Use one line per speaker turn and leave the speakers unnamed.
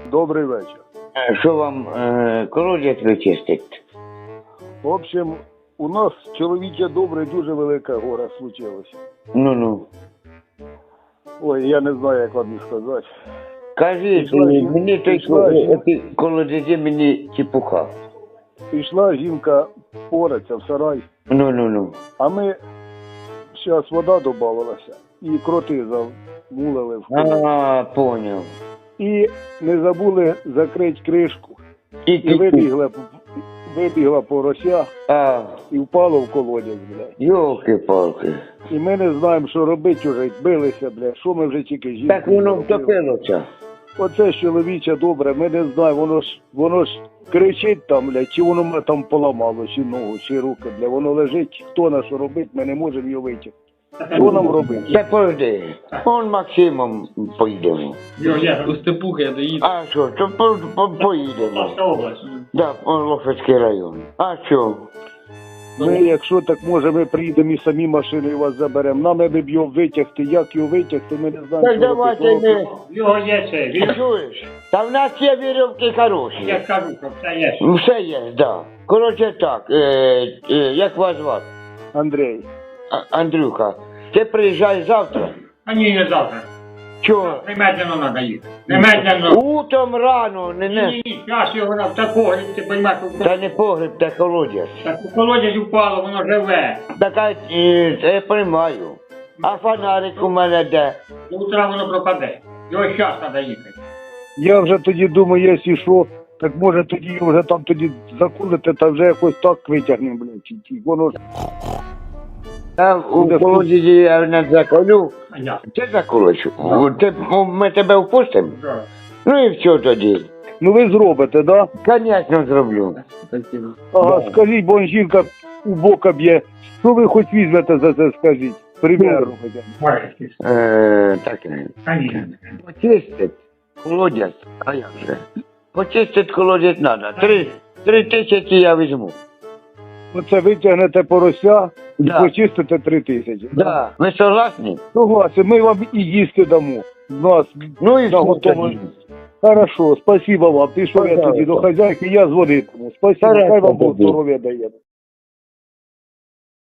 Добрий вечір.
Що вам колодязь вичистить?
В общем, у нас чоловіче добре, дуже велике горе случилося.
Ну.
Ой, я не знаю, як вам і сказати.
Кажіть, мені той колодязі мені чепуха.
Пішла жінка пораться в сарай,
Ну.
а ми, зараз вода додавалася, і кроти замулили в колодязь.
Поняв.
І не забули закрити кришку. І
І
вибігла порося і впало в колодязь, блядь.
Йолки-палки.
І ми не знаємо, що робити вже, билися, блядь, що ми вже тільки жінки.
Так воно
зробили.
втопилося.
Оце ж чоловіче добре, ми не знаємо, воно ж кричить там, блядь, чи воно мене там поламало, чи ногу, чи руки, блядь, воно лежить, хто на що робить, ми не можемо його витягти. Що нам робити?
Та подожди, он Максимом поїдемо.
Я у Степуха я доїду.
А що, то поїдемо.
Наша область.
Да, Лошадський район. А що?
Ми, якщо так може, ми приїдемо і самі машиною вас заберемо. Нам не б його витягти, як його витягти, ми не знаємо,
Так
що
давайте
робити.
ми...
Його є це. Він,
Чуєш? Та в нас є вірьовки хороші.
я кажу, що все є.
Все є, да. Коротше так, як вас звати?
Андрій,
Андрюха, ти приїжджай завтра.
А ні, не завтра.
Чого?
Немедленно треба їхати. Немедленно.
Утром рано,
Ні, зараз його на такого, ти розумієш,
Та не погреб, та колодязь.
так у колодязь упало, воно живе.
Така, я приймаю. А фонарик у мене де?
До утра воно пропаде. Його зараз треба їхати.
я вже тоді думаю, якщо що, так може тоді його вже там тоді закулити, та вже якось так витягнемо, блядь, чи воно ж...
Там у колодязі я не заколю.
А я.
Ти заколочу. Ми тебе впустимо?
Да.
Ну і все тоді.
Ну ви зробите, да?
Звісно, зроблю.
Ага, скажіть, бо жінка у бока б'є. Що ви хоч візьмете за це, скажіть? Примерно хоча б.
Можеш.
Так,
Конечно.
почистить колодязь, а як же? Почистить колодязь треба. 3 000 я візьму.
Оце витягнете порося і
Да.
почистите 3 тисячі.
Да. Ви согласні?
Согласен, ми вам і їсти дамо. Нас
Ну і
Да,
все
готово.
тоді.
Хорошо, спасибо вам. Пішов я
Пожалуйста.
тоді до хазяйки, я дзвонитиму. Спасибо,
Хорошо,
хай вам Бог
тоді.
здоров'я дає.